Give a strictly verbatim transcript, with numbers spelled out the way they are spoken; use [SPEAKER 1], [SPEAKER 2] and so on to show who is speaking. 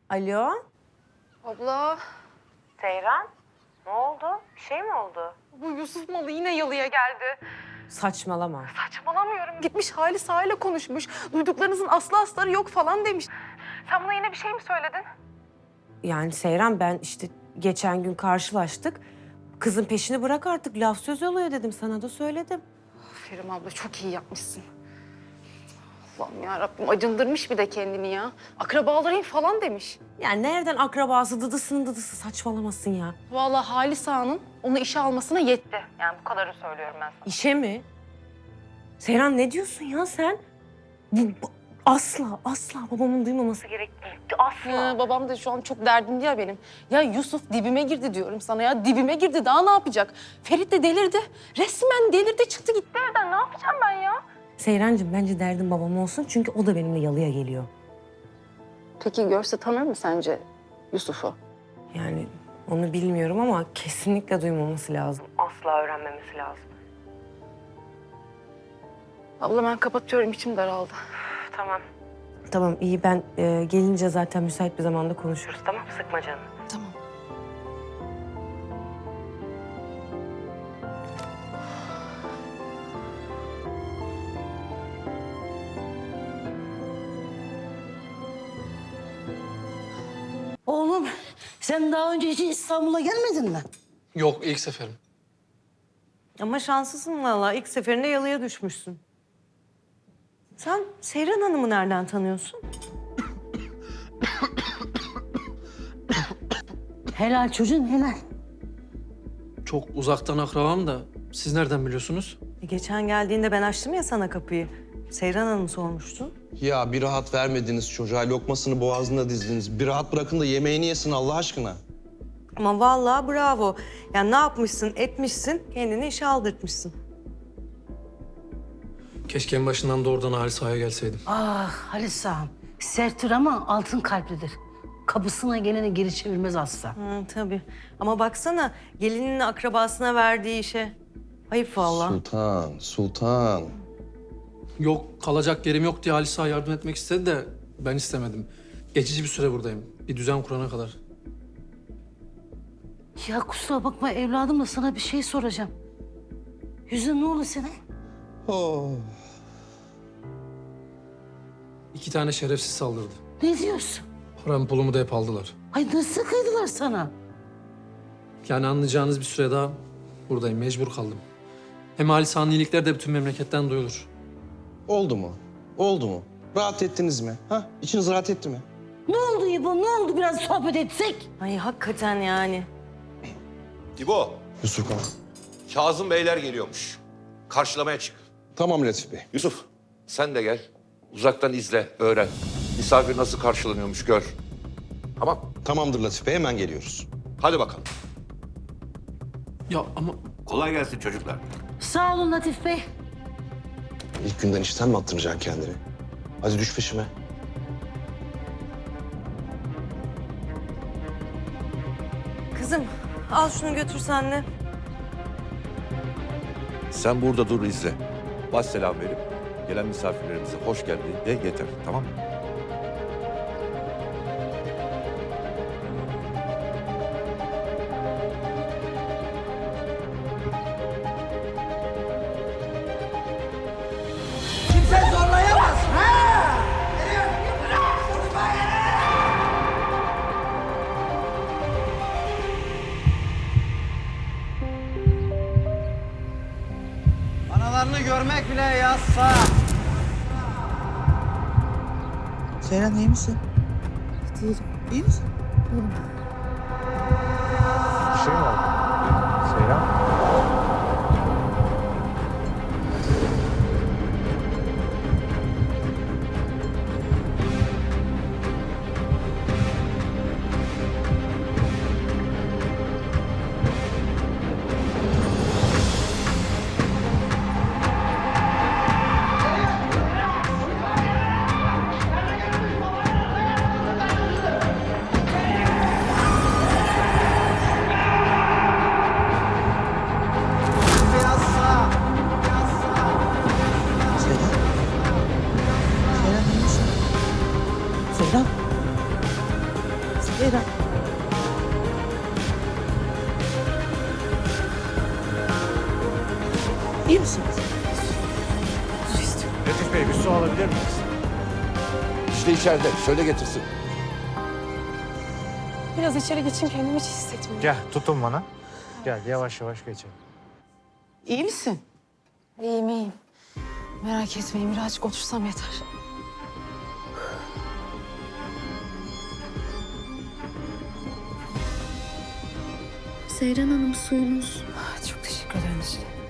[SPEAKER 1] Alo?
[SPEAKER 2] Abla,
[SPEAKER 1] Seyran? Ne oldu? Bir şey mi oldu?
[SPEAKER 2] bu Yusuf malı yine yalıya geldi.
[SPEAKER 1] Saçmalama.
[SPEAKER 2] Saçmalamıyorum. Gitmiş Hali Sağ'yla konuşmuş. Duyduklarınızın aslı astarı yok falan demiş. Sen buna yine bir şey mi söyledin?
[SPEAKER 1] Yani Seyran ben işte geçen gün karşılaştık. Kızın peşini bırak artık laf söz oluyor dedim sana da söyledim.
[SPEAKER 2] Aferin abla, çok iyi yapmışsın. Allah'ım yarabbim, acındırmış bir de kendini ya. Akrabalarıyım falan demiş.
[SPEAKER 1] Yani nereden akrabası dıdısının dıdısı saçmalamasın ya.
[SPEAKER 2] Vallahi Halis Ağa'nın onu işe almasına yetti. Yani bu kadarını söylüyorum ben sana.
[SPEAKER 1] İşe mi? Seyran ne diyorsun ya sen? Bu, bu- asla asla babamın duymaması gerektiği. Asla.
[SPEAKER 2] Ha, babam da şu an çok derdindi ya benim. Ya Yusuf dibime girdi diyorum sana ya. Dibime girdi, daha ne yapacak? Ferit de delirdi. Resmen delirdi, çıktı gitti evden. Ne yapacağım ben ya?
[SPEAKER 1] Seyrancığım bence derdin babam olsun çünkü o da benimle yalıya geliyor.
[SPEAKER 2] Peki görse tanır mı sence Yusuf'u?
[SPEAKER 1] Yani onu bilmiyorum ama kesinlikle duymaması lazım. Asla öğrenmemesi lazım.
[SPEAKER 2] Abla ben kapatıyorum, içim daraldı.
[SPEAKER 1] Tamam. Tamam iyi ben e, gelince zaten müsait bir zamanda konuşuruz tamam sıkma canını.
[SPEAKER 2] Tamam.
[SPEAKER 3] Oğlum sen daha önce hiç İstanbul'a gelmedin mi?
[SPEAKER 4] Yok, ilk seferim.
[SPEAKER 1] Ama şanslısın valla ilk seferinde yalıya düşmüşsün. Sen Seyran Hanım'ı nereden tanıyorsun?
[SPEAKER 3] Helal çocuğun helal.
[SPEAKER 4] Çok uzaktan akrabam da siz nereden biliyorsunuz?
[SPEAKER 1] E, geçen geldiğinde ben açtım ya sana kapıyı. Seyran Hanım sormuştun.
[SPEAKER 5] Ya bir rahat vermediniz çocuğa, lokmasını boğazına dizdiniz. Bir rahat bırakın da yemeğini yesin Allah aşkına.
[SPEAKER 1] Ama vallahi bravo. Yani ne yapmışsın etmişsin kendini işe aldırtmışsın.
[SPEAKER 4] Keşke en başından doğrudan Halis Saha'ya gelseydim.
[SPEAKER 3] Ah Halis ağam serttir ama altın kalplidir. Kapısına geleni geri çevirmez asla.
[SPEAKER 1] Hı, tabii. Ama baksana gelinin akrabasına verdiği işe. Ayıp vallahi.
[SPEAKER 5] Sultan, sultan.
[SPEAKER 4] Yok, kalacak yerim yok diye Halis Sağa yardım etmek istedi de ben istemedim. Geçici bir süre buradayım. Bir düzen kurana kadar.
[SPEAKER 3] Ya kusura bakma evladım da sana bir şey soracağım. Yüzün ne oldu senin?
[SPEAKER 5] Oh.
[SPEAKER 4] İki tane şerefsiz saldırdı.
[SPEAKER 3] Ne diyorsun?
[SPEAKER 4] Paramı pulumu da hep aldılar.
[SPEAKER 3] Ay nasıl kıydılar sana?
[SPEAKER 4] Yani anlayacağınız bir süre daha buradayım. Mecbur kaldım. Hem Halis Ağa'nın iyilikleri de bütün memleketten duyulur.
[SPEAKER 5] Oldu mu? Oldu mu? Rahat ettiniz mi? Ha? İçiniz rahat etti mi?
[SPEAKER 3] Ne oldu İbo ne oldu biraz sohbet etsek?
[SPEAKER 1] Ay hakikaten yani.
[SPEAKER 6] İbo,
[SPEAKER 5] Yusuf Kağan.
[SPEAKER 6] Kazım Beyler geliyormuş. Karşılamaya çık.
[SPEAKER 5] Tamam Latif Bey.
[SPEAKER 6] Yusuf, sen de gel. Uzaktan izle, öğren. Misafir nasıl karşılanıyormuş gör. Tamam,
[SPEAKER 5] Tamamdır Latif Bey, hemen geliyoruz.
[SPEAKER 6] hadi bakalım.
[SPEAKER 4] Ya ama
[SPEAKER 6] Kolay gelsin çocuklar.
[SPEAKER 3] Sağ olun Latif Bey.
[SPEAKER 5] İlk günden işten mi attıracaksın kendini? Hadi düş peşime.
[SPEAKER 1] Kızım al şunu götür senle.
[SPEAKER 6] Sen burada dur izle. Baş selam verip gelen misafirlerimize hoş geldin de yeter, tamam mı?
[SPEAKER 7] Analarını görmek bile yasak.
[SPEAKER 8] Seyran iyi misin? Değilim. İyi misin?
[SPEAKER 9] Bir şey mi oldu? Seyran?
[SPEAKER 7] Yasak.
[SPEAKER 8] Seyran? Seyran iyi misin? Seyran?
[SPEAKER 3] İyi misiniz?
[SPEAKER 9] Latif Bey bir su alabilir miyiz?
[SPEAKER 6] İşte içeride. Söyle getirsin.
[SPEAKER 2] Biraz içeri geçeyim, kendimi hiç hissetmiyorum.
[SPEAKER 9] Gel tutun bana. Gel yavaş yavaş geçelim.
[SPEAKER 3] İyi misin?
[SPEAKER 2] İyiyim iyiyim. Merak etmeyin, birazcık otursam yeter.
[SPEAKER 10] Seyran Hanım suyunuz.
[SPEAKER 2] Çok teşekkür ederim işte.